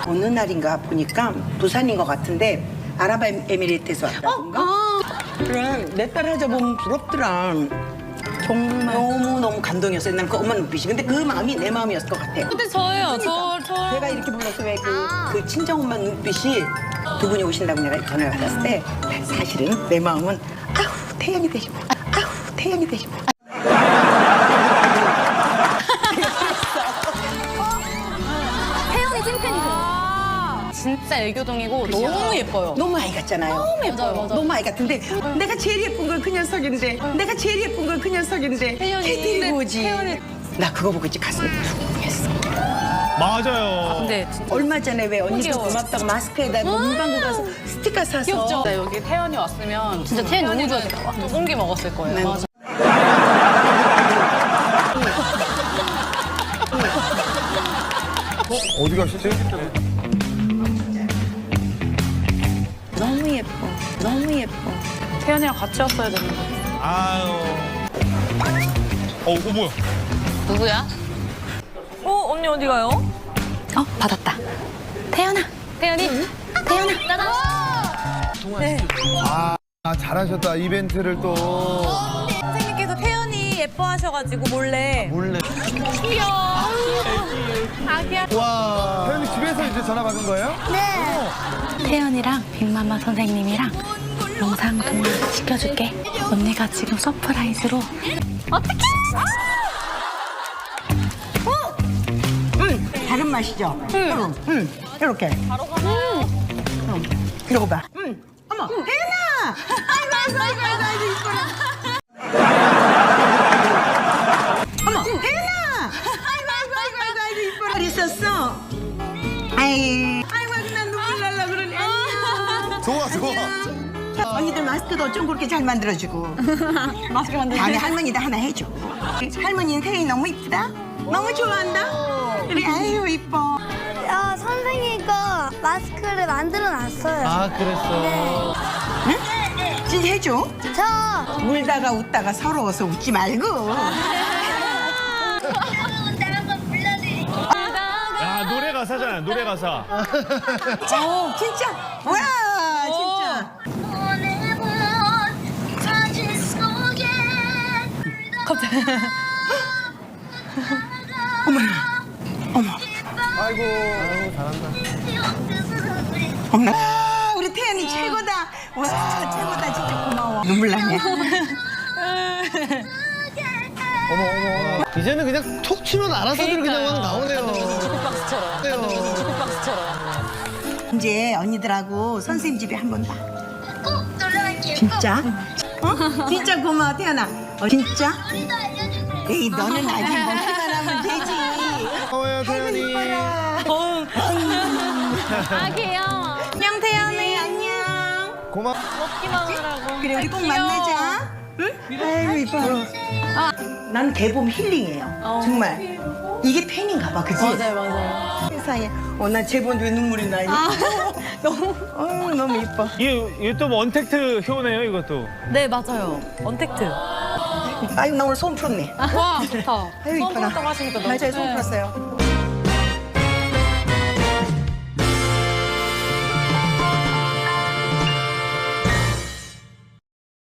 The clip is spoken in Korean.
어느 날인가 보니까 부산인 것 같은데 아랍에미리트에서 왔다던가. 그래 내 딸 하자 보면 부럽더라. 정말 너무 감동이었어요. 난 그 엄마 눈빛이. 근데 그 마음이 내 마음이었을 것 같아. 근데 저예요. 저. 제가 이렇게 불러서 왜 그 친정엄마 눈빛이 두 분이 오신다고 내가 전화를 받았을 때 사실은 내 마음은 아우 태연이 되시고 아우 태연이 되시고. 태연이 찐팬이세요? 진짜 애교동이고 너무 예뻐요. 너무 아이 같잖아요. 너무 예뻐요. 맞아. 너무 아이 같은데 내가 제일 예쁜 건 그 녀석인데 내가 제일 예쁜 건 그 녀석인데 태연이. 걔 데리고 오지. 태연이. 나 그거 보고 이제 가슴이 쿵했어. 맞아요. 근데 진짜 얼마 전에 왜 언니도 귀여워. 고맙다고 마스크에다 문방구 가서 스티커 사서 귀엽죠? 진짜 여기 태연이 왔으면 진짜 태연이 너무 좋아했을 거야. 똥기 먹었을 거예요. 네. 맞아. 어디 가시지? 너무 예뻐. 너무 예뻐. 태연이랑 같이 왔어야 되는데. 아유. 이거 뭐야? 누구야? 언니 어디 가요? 받았다. 태연아. 태연이? 태연아. 아, 잘하셨다. 이벤트를 또. 선생님께서 태연이 예뻐하셔가지고 몰래. 아기야. 와. 태연이 집에서 이제 전화 받은 거예요? 태연이랑 빅마마 선생님이랑 영상 통화 시켜줄게. 언니가 지금 서프라이즈로. 다른 맛이죠? 이렇게. 이러고 봐. 어머, 혜연아! 아이고, 이뻐라. 어머, 혜연아! 아이고, 이뻐라. 있었어? 아이고, 난 눈물 날라 그러네. 안녕. 좋아. 언니들 마스크도 어쩜 그렇게 잘 만들어주고. 마스크 만들고. 다음에 할머니도 하나 해줘. 할머니는 태연이 너무 이쁘다? 너무 좋아한다? 그래, 아유, 이뻐. 선생님이가 마스크를 만들어 놨어요. 아, 그랬어. 응? 진짜 해줘. 저 울다가 웃다가 서러워서 웃지 말고. 야, 노래 가사잖아, 노래 가사. 진짜. 와, 진짜. 아이고, 잘한다. 어머나. 우리 태연이 최고다. 와, 최고다. 진짜 고마워. 눈물 나네. 어머. 이제는 그냥 톡 치면 알아서들 그냥 막 나오네요. 주크박스처럼. 주크박스처럼. 이제 언니들하고 선생님 집에 한번 봐. 진짜? 진짜 고마워, 태연아. 진짜? 에이, 너는 아직 먹기만 하면 되지. 고마워요, 태연이. 아기요. 안녕 태연이. 안녕. 고마워. 먹기만 하라고. 그래, 우리 꼭 만나자. 응? 아이고, 이뻐. 난 개봄 힐링이에요. 정말. 이게 팬인가 봐, 그치? 맞아요. 세상에. 나 제본 왜 눈물이 나니? 너무 이뻐. 이게 또 원택트 효네요, 이것도. 네 맞아요. 언택트. 아유, 나 오늘 소음 풀었네. 와, 좋다. 아유, 처음 이뻐라. 봤다고 하시니까 너무 맞아요, 소음 좋네. 풀었어요.